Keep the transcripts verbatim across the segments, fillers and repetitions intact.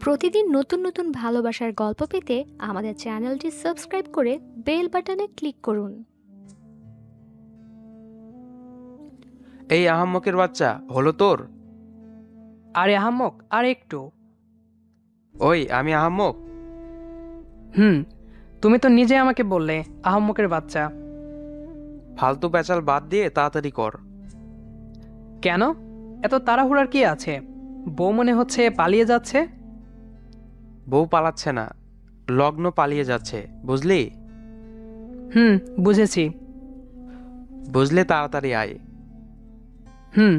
প্রতিদিন নতুন নতুন ভালোবাসার গল্প পেতে আমাদের চ্যানেলটি সাবস্ক্রাইব করে বেল বাটনে ক্লিক করুন। এই আহাম্মকের বাচ্চা হলো তোর? আরে আহাম্মক, আর একটু। ওই আমি আহাম্মক। হুম, তুমি তো নিজে আমাকে বললে আহাম্মকের বাচ্চা। ফালতু প্যাচাল বাদ দিয়ে তাড়াতাড়ি কর। কেন এত তাড়াহুড়ার কি আছে? বউ মনে হচ্ছে পালিয়ে যাচ্ছে। বউ পালাচ্ছে না, লগ্ন পালিয়ে যাচ্ছে, বুঝলি? হুম, বুঝেছি। বুঝলে তাড়াতাড়ি আয়। হুম।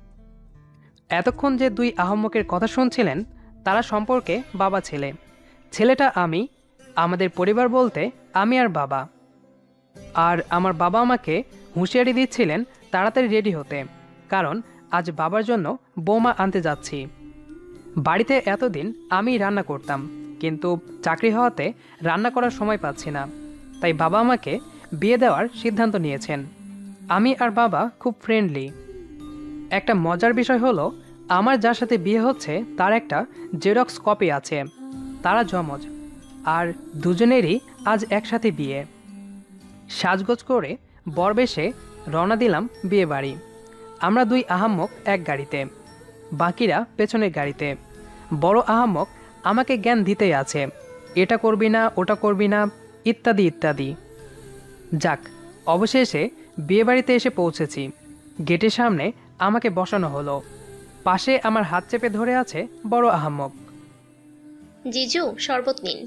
এতক্ষণ যে দুই আহাম্মকের কথা শুনছিলেন তারা সম্পর্কে বাবা ছেলে। ছেলেটা আমি, আমাদের পরিবার বলতে আমি আর বাবা। আর আমার বাবা আমাকে হুঁশিয়ারি দিচ্ছিলেন তাড়াতাড়ি রেডি হতে, কারণ আজ বাবার জন্য বৌমা আনতে যাচ্ছি। বাড়িতে এতদিন আমি রান্না করতাম, কিন্তু চাকরি হওয়াতে রান্না করার সময় পাচ্ছি না, তাই বাবা আমাকে বিয়ে দেওয়ার সিদ্ধান্ত নিয়েছেন। আমি আর বাবা খুব ফ্রেন্ডলি। একটা মজার বিষয় হলো, আমার যার সাথে বিয়ে হচ্ছে তার একটা জেরক্স কপি আছে। তারা জমজ, আর দুজনেরই আজ একসাথে বিয়ে। সাজগোজ করে বরবেশে রওনা দিলাম বিয়ে বাড়ি। আমরা দুই আহাম্মক এক গাড়িতে, বাকিরা পেছনের গাড়িতে। বড় আহাম্মক আমাকে জ্ঞান দিতেই আছে, এটা করবি না, ওটা করবি না, ইত্যাদি ইত্যাদি। যাক, অবশেষে বিয়েবাড়িতে এসে পৌঁছেছি। গেটের সামনে আমাকে বসানো হলো। পাশে আমার হাত চেপে ধরে আছে বড় আহাম্মক। জিজু, শরবত নিন।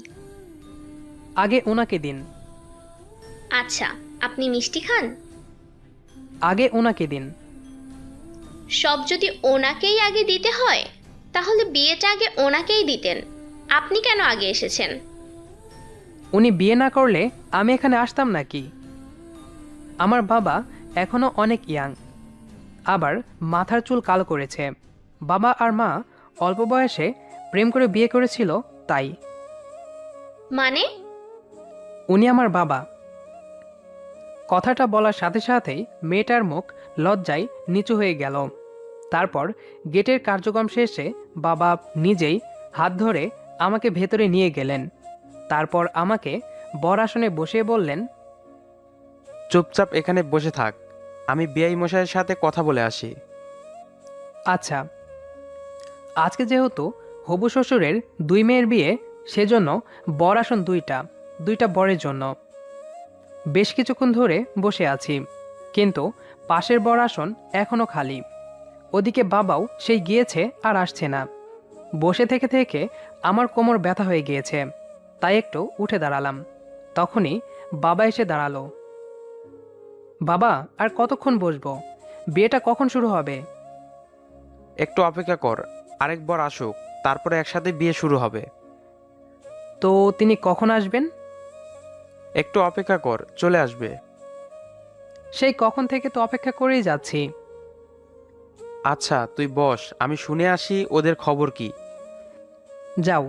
আগে ওনাকে দিন। আচ্ছা, আপনি মিষ্টি খান? আগে ওনাকে দিন। সব যদি ওনাকেই আগে দিতে হয়, তাহলে বিয়েটা আগে ওনাকেই দিতেন। আপনি কেন আগে এসেছেন? উনি বিয়ে না করলে আমি এখানে আসতাম নাকি? আমার বাবা এখনো অনেক ইয়াং, আবার মাথার চুল কালো করেছে। বাবা আর মা অল্প বয়সে প্রেম করে বিয়ে করেছিল, তাই। মানে? উনি আমার বাবা। কথাটা বলার সাথে সাথেই মেয়েটার মুখ লজ্জায় নিচু হয়ে গেল। তারপর গেটের কার্যক্রম শেষে বাবা নিজেই হাত ধরে আমাকে ভেতরে নিয়ে গেলেন। তারপর আমাকে বর আসনে বসিয়ে বললেন, চুপচাপ এখানে বসে থাক, আমি বিআই মশাইয়ের সাথে কথা বলে আসি। আচ্ছা। আজকে যেহেতু হবু শ্বশুরের দুই মেয়ের বিয়ে, সেজন্য বর আসন দুইটা, দুইটা বরের জন্য। বেশ কিছুক্ষণ ধরে বসে আছি, কিন্তু পাশের বর আসন এখনো খালি। ওদিকে বাবাও সেই গিয়েছে আর আসছে না। বসে থেকে থেকে আমার কোমর ব্যথা হয়ে গিয়েছে, তাই একটু উঠে দাঁড়ালাম। তখনই বাবা এসে দাঁড়ালো। বাবা, আর কতক্ষণ বসবো? বিয়েটা কখন শুরু হবে? একটু অপেক্ষা কর, আরেকবার আসুক, তারপরে একসাথে বিয়ে শুরু হবে। তো তিনি কখন আসবেন? একটু অপেক্ষা কর, চলে আসবে। সেই কখন থেকে তো অপেক্ষা করেই যাচ্ছি। আচ্ছা তুই বস, আমি শুনে আসি ওদের খবর কি। যাও।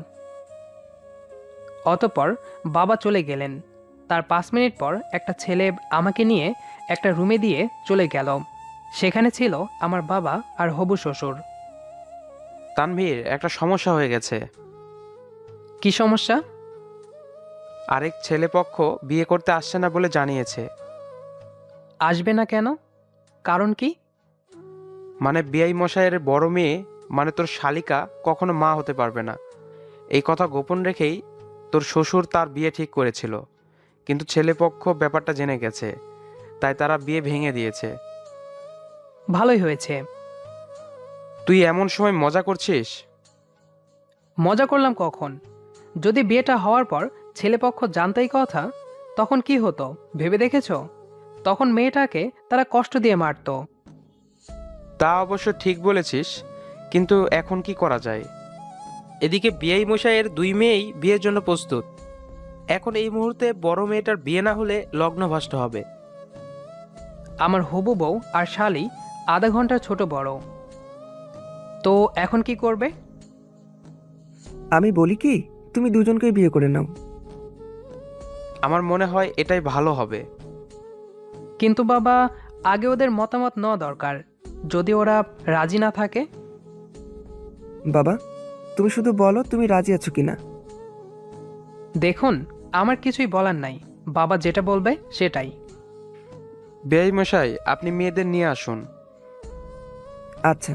অতঃপর বাবা চলে গেলেন। তার পাঁচ মিনিট পর একটা ছেলে আমাকে নিয়ে একটা রুমে দিয়ে চলে গেল। সেখানে ছিল আমার বাবা আর হবু শ্বশুর। তানভীর, একটা সমস্যা হয়ে গেছে। কি সমস্যা? আরেক ছেলেপক্ষ বিয়ে করতে আসছে না বলে জানিয়েছে। আসবে না কেন? কারণ কি? মানে বিআই মশাইয়ের বড় মেয়ে, মানে তোর শালিকা, কখনো মা হতে পারবে না। এই কথা গোপন রেখেই তোর শ্বশুর তার বিয়ে ঠিক করেছিল, কিন্তু ছেলেপক্ষ ব্যাপারটা জেনে গেছে, তাই তারা বিয়ে ভেঙে দিয়েছে। ভালোই হয়েছে। তুই এমন সময় মজা করছিস? মজা করলাম কখন? যদি বিয়েটা হওয়ার পর ছেলেপক্ষ জানতেই কথা, তখন কি হতো ভেবে দেখেছো? তখন মেয়েটাকে তারা কষ্ট দিয়ে মারতো। তা অবশ্য ঠিক বলেছিস, কিন্তু এখন কি করা যায়? এদিকে বিআই মশাইয়ের দুই মেয়েই বিয়ের জন্য প্রস্তুত। এখন এই মুহূর্তে বড় মেয়েটার বিয়ে না হলে লগ্নভ্রষ্ট হবে। আমার হবু বউ আর শালি আধা ঘন্টার ছোট বড়। তো এখন কি করবে? আমি বলি কি, তুমি দুজনকেই বিয়ে করে নাও। আমার মনে হয় এটাই ভালো হবে। কিন্তু বাবা, আগে ওদের মতামত নেওয়া দরকার। যদি ওরা রাজি না থাকে? বাবা, তুমি শুধু বলো তুমি রাজি আছো কিনা। দেখুন, আমার কিছুই বলার নাই, বাবা যেটা বলবে সেটাই। বেআই মশাই, আপনি মেয়েদের নিয়ে আসুন। আচ্ছা।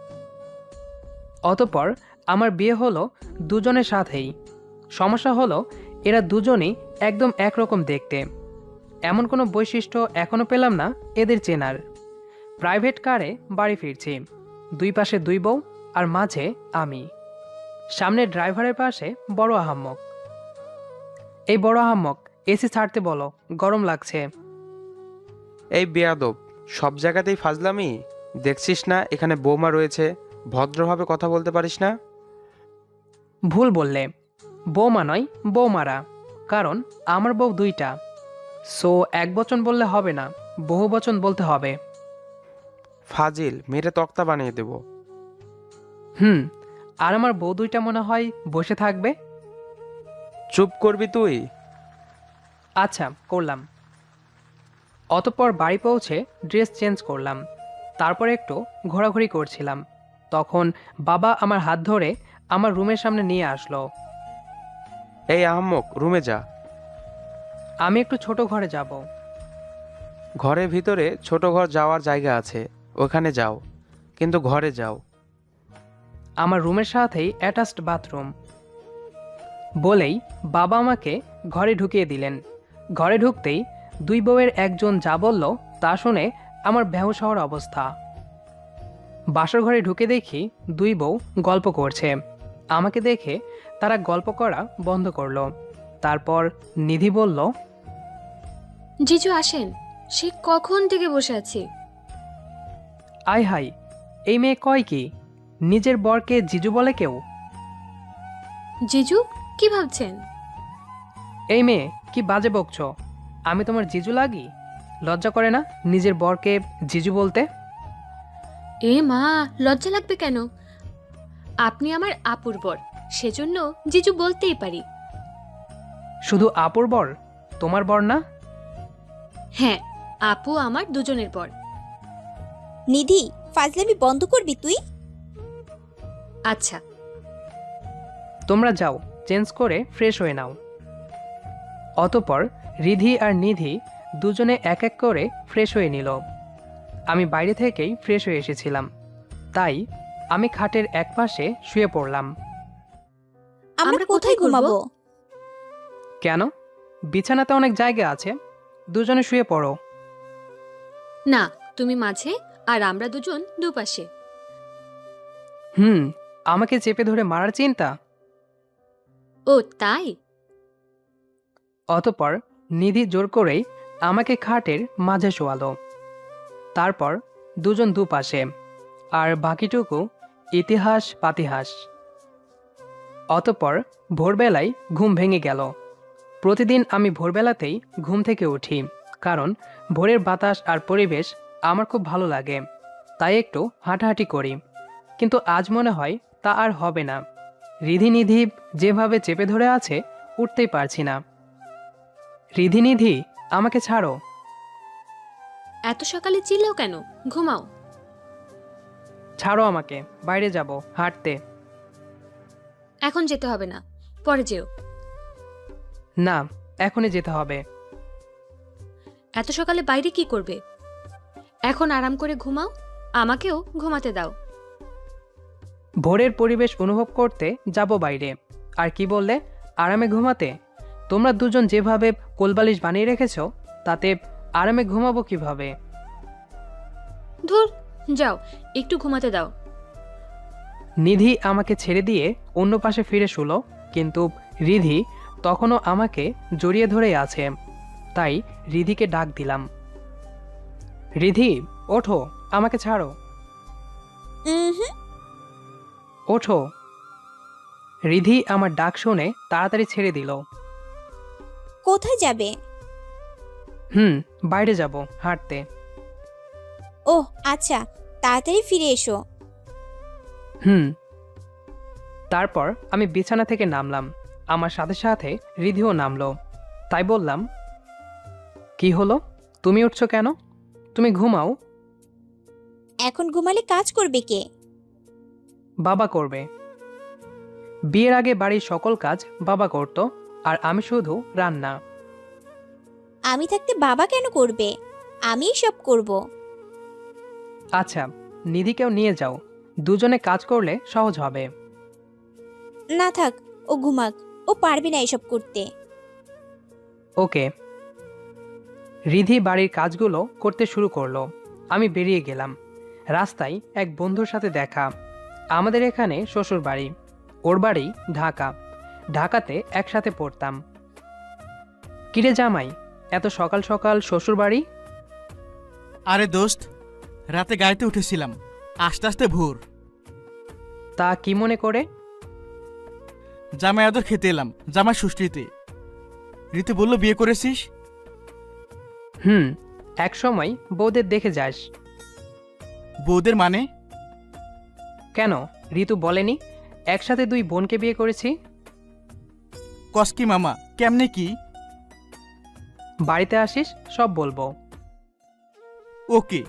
অতঃপর আমার বিয়ে হলো দুজনের সাথেই। সমস্যা হলো এরা দুজনই একদম একরকম দেখতে। এমন কোনো বৈশিষ্ট্য এখনো পেলাম না এদের চেনার। প্রাইভেট কারে বাড়ি ফিরছি, দুই পাশে দুই বউ আর মাঝে আমি। সামনে ড্রাইভারের পাশে বড় আহাম্মক। এই বড় আহাম্মক, এসি ছাড়তে বলো, গরম লাগছে। এই বেয়াদব, সব জায়গাতেই ফাজলামি। দেখছিস না এখানে বৌমা রয়েছে, ভদ্রভাবে কথা বলতে পারিস না? ভুল বললে, বৌমা নয় বৌমারা, কারণ আমার বউ দুইটা। সো এক বচন বললে হবে না, বহু বচন বলতে হবে। ফাজিল, মেরে তক্তা বানিয়ে দেব। হুম, আর আমার বউ দুইটা মনে হয় বসে থাকবে। চুপ করবি তুই? আচ্ছা, করলাম। অতঃপর বাড়ি পৌঁছে ড্রেস চেঞ্জ করলাম, তারপর একটু ঘোরাঘুরি করছিলাম। তখন বাবা আমার হাত ধরে আমার রুমের সামনে নিয়ে আসলো। এই আহাম্মক, রুমে যা। আমি একটু ছোট ঘরে যাব। ঘরের ভিতরে ছোট ঘর যাওয়ার জায়গা আছে, ওখানে যাও, কিন্তু ঘরে যাও। আমার রুমের সাথেই অ্যাটাচড বাথরুম। বলেই বাবা আমাকে ঘরে ঢুকিয়ে দিলেন। ঘরে ঢুকতেই দুই বউয়ের একজন যা বলল তা শুনে আমার বেহুশ হওয়ার অবস্থা। বাসর ঘরে ঢুকে দেখি দুই বউ গল্প করছে। আমাকে দেখে তারা গল্প করা বন্ধ করলো। তারপর নিধি বলল, জিজু আসেন, সে কখন থেকে বসে আছি। আয় হাই, এই মেয়ে কয় কি, নিজের বরকে জিজু বলে কেউ? জিজু কি ভাবছেন? এই মেয়ে কি বাজে বকছ, আমি তোমার জিজু লাগি? লজ্জা করে না নিজের বরকে জিজু বলতে? এ মা, লজ্জা লাগবে কেন? আপনি আমার আপুর বর, সেজন্য জিজু বলতেই পারি। শুধু আপুর বর, তোমার বর না? হ্যাঁ, আপু আমার দুজনের বর। নিধি, ফাজলামি বন্ধ করবি তুই? আচ্ছা। তোমরা যাও, চেঞ্জ করে ফ্রেশ হয়ে নাও। অতঃপর রিধি আর নিধি দুজনে এক এক করে ফ্রেশ হয়ে নিল। আমি বাইরে থেকেই ফ্রেশ হয়ে এসেছিলাম, তাই আমি খাটের এক পাশে শুয়ে পড়লাম। আমরা আমরা কোথায় কোথায় ঘুমাবো? কেন, বিছানাতে অনেক জায়গা আছে, দুজনে শুয়ে পড়ো। না, তুমি মাঝে আর আমরা দুজন দুপাশে। হুম, আমাকে চেপে ধরে মারার চিন্তা? ও তাই? অতঃপর নিধি জোর করেই আমাকে খাটের মাঝে শোয়ালো। তারপর দুজন দুপাশে, আর বাকিটুকু ইতিহাস পাতিহাস। অতঃপর ভোরবেলায় ঘুম ভেঙে গেল। প্রতিদিন আমি ভোরবেলাতেই ঘুম থেকে উঠি, কারণ ভোরের বাতাস আর পরিবেশ আমার খুব ভালো লাগে, তাই একটু হাঁটাহাঁটি করি। কিন্তু আজ মনে হয় তা আর হবে না। রিধিনিধি যেভাবে চেপে ধরে আছে, উঠতেই পারছি না। রিধিনিধি, আমাকে ছাড়ো। এত সকালে চিল্লাও কেন? ঘুমাও। ছাড়ো আমাকে, বাইরে যাব হাঁটতে। এখন যেতে হবে না, পরে যেও। না, এখনই যেতে হবে। এত সকালে বাইরে কি করবে? এখন আরাম করে ঘুমাও, আমাকেও ঘুমাতে দাও। ভোরের পরিবেশ অনুভব করতে যাব বাইরে। আর কি বললে, আরামে ঘুমাতে? তোমরা দুজন যেভাবে কোলবালিশ বানিয়ে রেখেছো, তাতে আরামে ঘুমাবো কিভাবে? ধুর, যাও, একটু ঘুমাতে দাও। নিধি আমাকে ছেড়ে দিয়ে অন্য পাশে ফিরে শুলো, কিন্তু রিধি তখনও আমাকে জড়িয়ে ধরেই আছে। তাই রিধিকে ডাক দিলাম, রিধি ওঠো, আমাকে ছাড়ো, উহুম, ওঠো। রিধি আমার ডাক শুনে তাড়াতাড়ি ছেড়ে দিল। কোথায় যাবে? হুম, বাইরে যাব হাঁটতে। ওহ আচ্ছা, তাড়াতাড়ি ফিরে এসো। হুম। তারপর আমি বিছানা থেকে নামলাম, আমার সাথে সাথে রিধিও নামলো। তাই বললাম, কি হলো, তুমি উঠছো কেন? তুমি ঘুমাও। এখন ঘুমালে কাজ করবে কে? বাবা করবে। বিয়ের আগে বাড়ির সকল কাজ বাবা করত, আর আমি শুধু রান্না। আমি থাকতে বাবা কেন করবে? আমিই সব করব। আচ্ছা, নিধিকেও নিয়ে যাও, দুজনে কাজ করলে সহজ হবে। না থাক, ও ঘুমাক, ও পারবে না এসব করতে। ওকে। রিধি বাড়ির কাজগুলো করতে শুরু করলো। আমি বেরিয়ে গেলাম। রাস্তায় এক বন্ধুর সাথে দেখা। আমাদের এখানে শ্বশুর বাড়ি, ওর বাড়ি ঢাকা। ঢাকাতে একসাথে পড়তাম। কিরে জামাই, এত সকাল সকাল শ্বশুর বাড়ি? আরে দোস্ত, রাতে গাড়িতে উঠেছিলাম, আস্তে আস্তে ভোর। তা কি মনে করে? জামাই আদর খেতে এলাম, জামাই ষষ্ঠীতে। ঋতু বলল বিয়ে করেছিস? হুম, এক সময় বউদের দেখে যাস। বউদের মানে? কেন, ঋতু বলেনি একসাথে দুই বোনকে বিয়ে করেছি? কসকি মামা, কেমনে কি? বাড়িতে আসিস, সব বলবো। ওকে।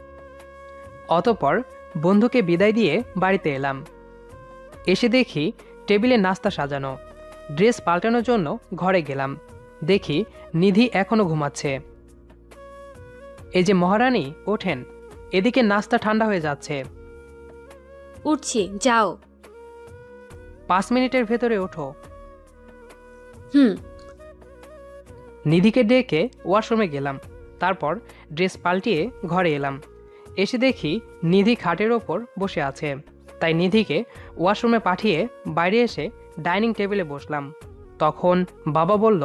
অতঃপর বন্ধুকে বিদায় দিয়ে বাড়িতে এলাম। এসে দেখি টেবিলে নাস্তা সাজানো। ড্রেস পাল্টানোর জন্য ঘরে গেলাম। দেখি নিধি এখনো ঘুমাচ্ছে। এই যে মহারানী, ওঠেন, এদিকে নাস্তা ঠান্ডা হয়ে যাচ্ছে। উঠছি, যাও। পাঁচ মিনিটের ভেতরে ওঠো। হুম। নিধিকে ডেকে ওয়াশরুমে গেলাম। তারপর ড্রেস পাল্টিয়ে ঘরে এলাম। এসে দেখি নিধি খাটের ওপর বসে আছে। তাই নিধিকে ওয়াশরুমে পাঠিয়ে বাইরে এসে ডাইনিং টেবিলে বসলাম। তখন বাবা বলল,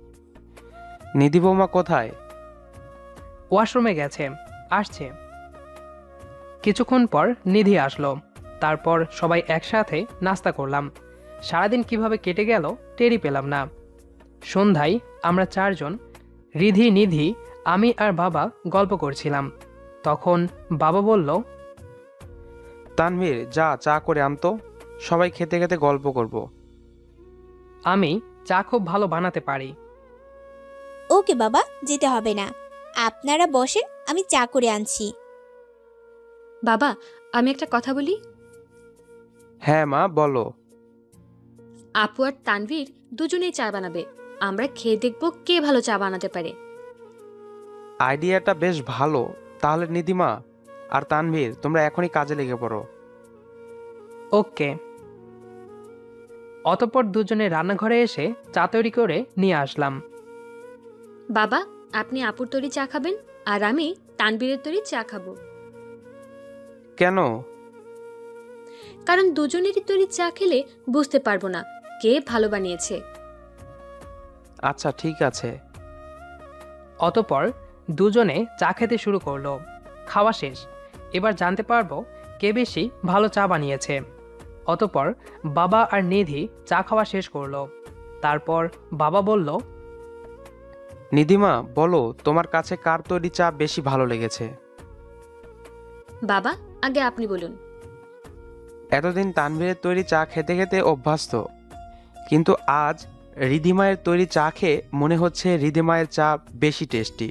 নিধি বৌমা কোথায়? ওয়াশরুমে গেছে, আসছে। কিছুক্ষণ পর নিধি আসলো। তারপর সবাই একসাথে নাস্তা করলাম। সারাদিন কিভাবে কেটে গেল টেরই পেলাম না। সন্ধ্যায় আমরা চারজন, রিধি, নিধি, আমি আর বাবা গল্প করছিলাম। তখন বাবা বলল, তানভীর, যা চা করে আনতো, সবাই খেতে খেতে গল্প করব। আমি চা খুব ভালো বানাতে পারি। ওকে বাবা, যেতে হবে না, আপনারা বসেন, আমি চা করে আনছি। বাবা, আমি একটা কথা বলি। হ্যাঁ মা, বলো। আপু আর তানভীর দুজনেই চা বানাবে। আমরা খেয়ে দেখব কে ভালো চা বানাতে পারে। আইডিয়াটা বেশ ভালো। তাহলে নিধিমা আর তানভীর, তোমরা এখনই কাজে লেগে পড়ো। ওকে। অতঃপর দুজনে রান্নাঘরে এসে চা তৈরি করে নিয়ে আসলাম। বাবা, আপনি আপুর তৈরি চা খাবেন, আর আমি তানভীরের তৈরি চা খাবো। কেন? কারণ দুজনেরই তৈরি চা খেলে বুঝতে পারবো না কে ভালো বানিয়েছে। আচ্ছা, ঠিক আছে। অতঃপর দুজনে চা খেতে শুরু করলো। খাওয়া শেষ। এবার জানতে পারবো কে বেশি ভালো চা বানিয়েছে। অতঃপর বাবা আর নিধি চা খাওয়া শেষ করলো। তারপর বাবা বলল, নিধিমা, বলো তোমার কাছে কার তৈরি চা বেশি ভালো লেগেছে? বাবা, আগে আপনি বলুন। এতদিন তানভীরের তৈরি চা খেতে খেতে অভ্যস্ত, কিন্তু আজ রিধিমায়ের তৈরি চা খেয়ে মনে হচ্ছে রিধিমায়ের চা বেশি টেস্টি।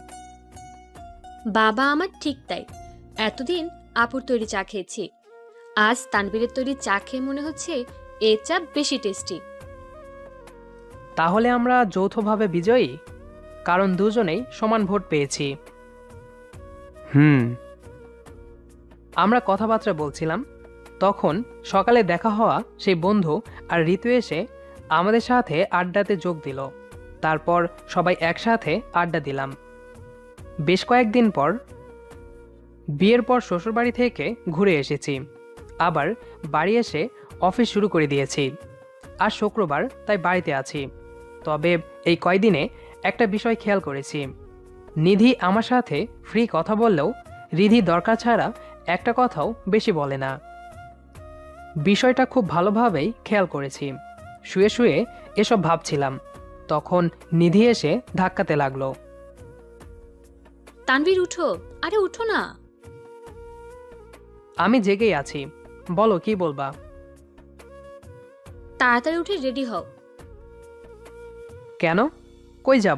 বাবা আমার ঠিক তাই। এতদিন আপুর তৈরি চা খেয়েছি, আজ তানভীরের তৈরি চা খেয়ে মনে হচ্ছে এ চা বেশি টেস্টি। তাহলে আমরা যৌথভাবে বিজয়ী, কারণ দুজনেই সমান ভোট পেয়েছি। হুম। আমরা কথাবার্তা বলছিলাম, তখন সকালে দেখা হওয়া সেই বন্ধু আর ঋতু এসে আমাদের সাথে আড্ডাতে যোগ দিল। তারপর সবাই একসাথে আড্ডা দিলাম। বেশ কয়েকদিন পর, বিয়ের পর শ্বশুরবাড়ি থেকে ঘুরে এসেছি। আবার বাড়ি এসে অফিস শুরু করে দিয়েছি। আর শুক্রবার, তাই বাড়িতে আছি। তবে এই কয়দিনে একটা বিষয় খেয়াল করেছি। নিধি আমার সাথে ফ্রি কথা বললেও রিধি দরকার ছাড়া একটা কথাও বেশি বলে না। বিষয়টা খুব ভালোভাবেই খেয়াল করেছি। শুয়ে শুয়ে এসব ভাবছিলাম, তখন নিধি এসে ধাক্কাতে লাগলো। তানভীর, উঠো, আরে উঠো না। আমি জেগেই আছি, বলো কি বলবা। তাড়াতাড়ি উঠে রেডি হও। কেন, কই যাব?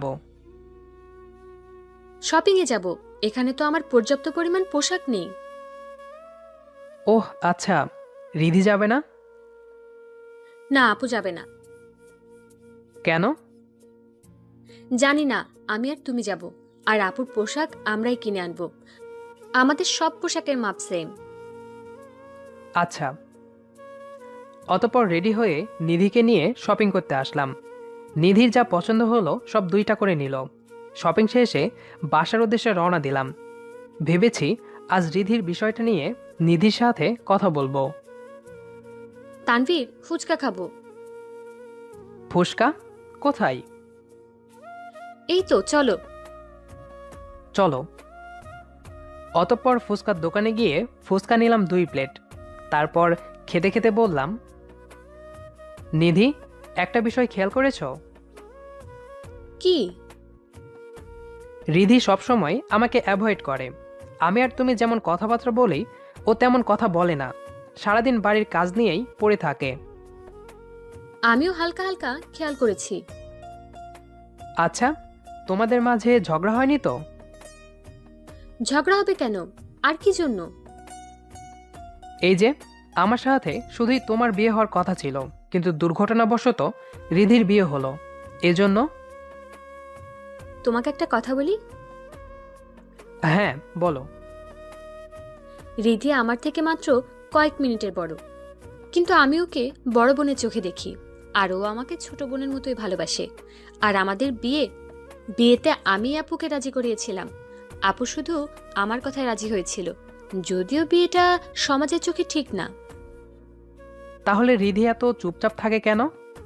শপিংয়ে যাব। এখানে তো আমার পর্যাপ্ত পরিমাণ পোশাক নেই। ওহ আচ্ছা, রিধি যাবে না? না আপু যাবে না। কেন? জানি না, আমি আর তুমি যাব। আর আপুর পোশাক আমরাই কিনে আনবো। আমাদের সব পোশাকের মাপ সেম। আচ্ছা। অতঃপর রেডি হয়ে নিধিকে নিয়ে শপিং করতে আসলাম। নিধির যা পছন্দ হলো সব দুইটা করে নিল। শপিং শেষে বাসার উদ্দেশ্যে রওনা দিলাম। ভেবেছি আজ রিধির বিষয়টা নিয়ে নিধির সাথে কথা বলবো। তানভীর, ফুচকা খাবো। ফুসকা? কোথায়? এই তো, চলো। চলো। অতঃপর ফুচকার দোকানে গিয়ে ফুচকা নিলাম দুই প্লেট। তারপর খেতে খেতে বললাম, নিধি, একটা বিষয় খেয়াল করেছ? কি? রিধি সবসময় আমাকে অ্যাভয়েড করে। আমি আর তুমি যেমন কথাবার্তা বলি, ও তেমন কথা বলে না। সারাদিন বাড়ির কাজ নিয়েই পড়ে থাকে। আমিও হালকা হালকা খেয়াল করেছি। আচ্ছা, তোমাদের মাঝে ঝগড়া হয়নি তো? ঝগড়া হবে কেন? আর কি জন্য? এই যে, আমার সাথে শুধুই তোমার বিয়ে হওয়ার কথা ছিল, কিন্তু দুর্ঘটনাবশত রিধির বিয়ে হলো। এজন্য। তোমাকে একটা কথা বলি। হ্যাঁ, বলো। রিধি আমার থেকে মাত্র কয়েক মিনিটের বড়, কিন্তু আমি ওকে বড় বোনের চোখে দেখি। আর ও আমাকে ছোট বোনের মতোই ভালোবাসে। আর আমাদের বিয়ে বিয়েতে আমি আপুকে রাজি করিয়েছিলাম। আপু শুধু আমার কথায় রাজি হয়েছিল, যদিও বিয়েটা সমাজের চোখে ঠিক না। তাহলে রিধি এত চুপচাপ থাকে কেন?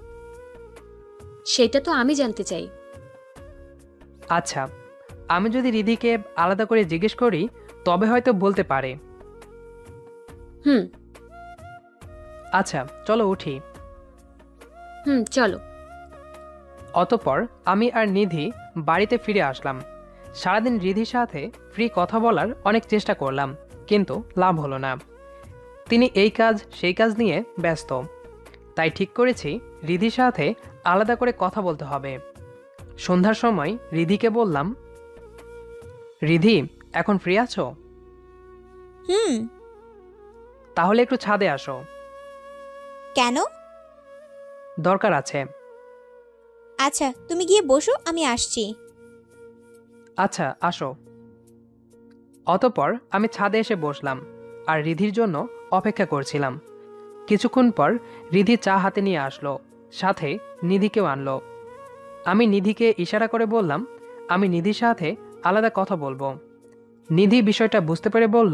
সেটা তো আমি জানতে চাই। আচ্ছা, আমি যদি রিধিকে আলাদা করে জিজ্ঞেস করি তবে হয়তো বলতে পারে। হুম আচ্ছা, চলো উঠি। হুম চলো। অতঃপর আমি আর নিধি বাড়িতে ফিরে আসলাম। সারাদিন রিধির সাথে ফ্রি কথা বলার অনেক চেষ্টা করলাম, কিন্তু লাভ হলো না। তিনি এই কাজ সেই কাজ নিয়ে ব্যস্ত। তাই ঠিক করেছি রিধির সাথে আলাদা করে কথা বলতে হবে। সন্ধ্যার সময় রিধিকে বললাম, রিধি, এখন ফ্রি আছো? হুম। তাহলে একটু ছাদে আসো। কেন? দরকার আছে। আচ্ছা, তুমি গিয়ে বসো, আমি আসছি। আচ্ছা, আসো। অতঃপর আমি ছাদে এসে বসলাম আর রিধির জন্য অপেক্ষা করছিলাম। কিছুক্ষণ পর রিধি চা হাতে নিয়ে আসলো, সাথে নিধিকেও আনলো। আমি নিধিকে ইশারা করে বললাম, আমি নিধির সাথে আলাদা কথা বলবো। নিধি বিষয়টা বুঝতে পেরে বলল,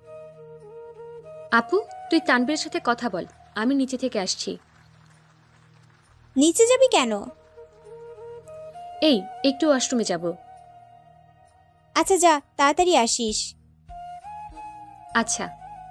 আপু, তুই তানবীরের সাথে কথা বল, আমি নিচে থেকে আসছি। নিচে যাবি কেন? এই একটু ওয়াশরুমে যাব। আচ্ছা যা, তাড়াতাড়ি আসিস। আচ্ছা।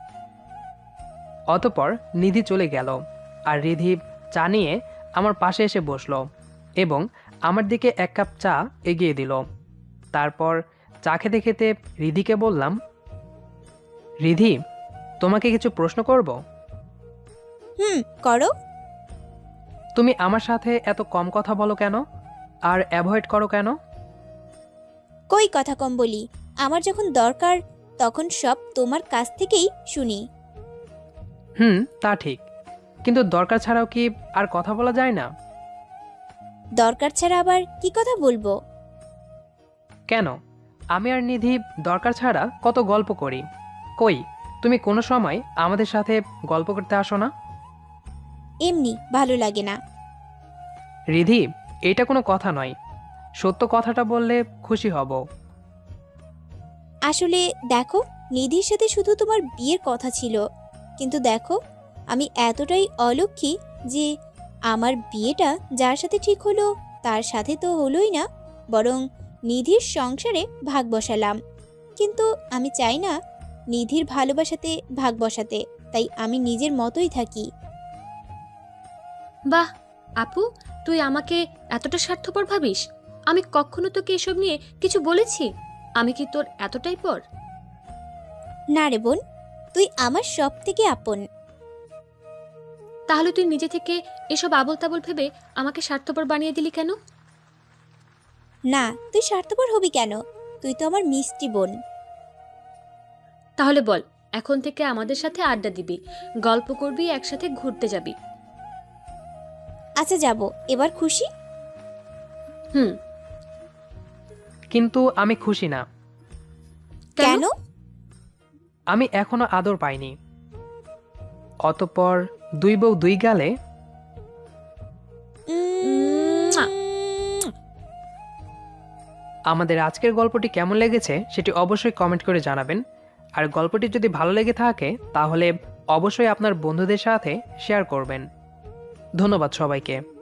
অতঃপর নিধি চলে গেল আর রিধি চা নিয়ে আমার পাশে এসে বসলো এবং আমার দিকে এক কাপ চা এগিয়ে দিল। তারপর চা খেতে খেতে রিধিকে বললাম, রিধি, তোমাকে কিছু প্রশ্ন করব? হুম, করো। তুমি আমার সাথে এত কম কথা বলো কেন আর অ্যাভয়েড করো কেন? কই কথা কম বলি? আমার যখন দরকার তখন সব তোমার কাছ থেকেই শুনি। হুম, তা ঠিক, কিন্তু দরকার ছাড়াও কি আর কথা বলা যায় না? দরকার ছাড়া আবার কি কথা বলবো? কেন? আমি আর নিধি দরকার ছাড়া কত গল্প করি। কই, তুমি কোনো সময় আমাদের সাথে গল্প করতে আসো না? এমনি ভালো লাগে না। রিধি, এটা কোনো কথা নয়। সত্য কথাটা বললে খুশি হব। আসলে দেখো, নিধির সাথে শুধু তোমার বিয়ের কথা ছিল, কিন্তু দেখো আমি এতটাই অলক্ষী যে আমার বিয়েটা যার সাথে ঠিক হলো তার সাথে তো হলোই না, বরং নিধির সংসারে ভাগ বসালাম। কিন্তু আমি চাই না নিধির ভালোবাসাতে ভাগ বসাতে, তাই আমি নিজের মতোই থাকি। বাহ আপু, তুই আমাকে এতটা স্বার্থপর ভাবিস? আমি কখনো তোকে এসব নিয়ে কিছু বলেছি? আমি কি তোর এতটাই পর? না রে বোন, তুই আমার সব থেকে আপন। তাহলে তুই নিজে থেকে এসব আবল তাবল ভেবে আমাকে স্বার্থপর বানিয়ে দিলি কেন? না, তুই স্বার্থপর হবি কেন? তুই তো আমার মিষ্টি বোন। তাহলে বল, এখন থেকে আমাদের সাথে আড্ডা দিবি, গল্প করবি, একসাথে ঘুরতে যাবি। আচ্ছা যাব, এবার খুশি? হুম। কিন্তু আমি খুশি না। কেন? আমি এখনো আদর পাইনি। অতঃপর দুই বউ দুই গালে। মুয়া। আমাদের আজকের গল্পটি কেমন লেগেছে সেটি অবশ্যই কমেন্ট করে জানাবেন। আর গল্পটি যদি ভালো লেগে থাকে তাহলে অবশ্যই আপনার বন্ধুদের সাথে শেয়ার করবেন। ধন্যবাদ সবাইকে।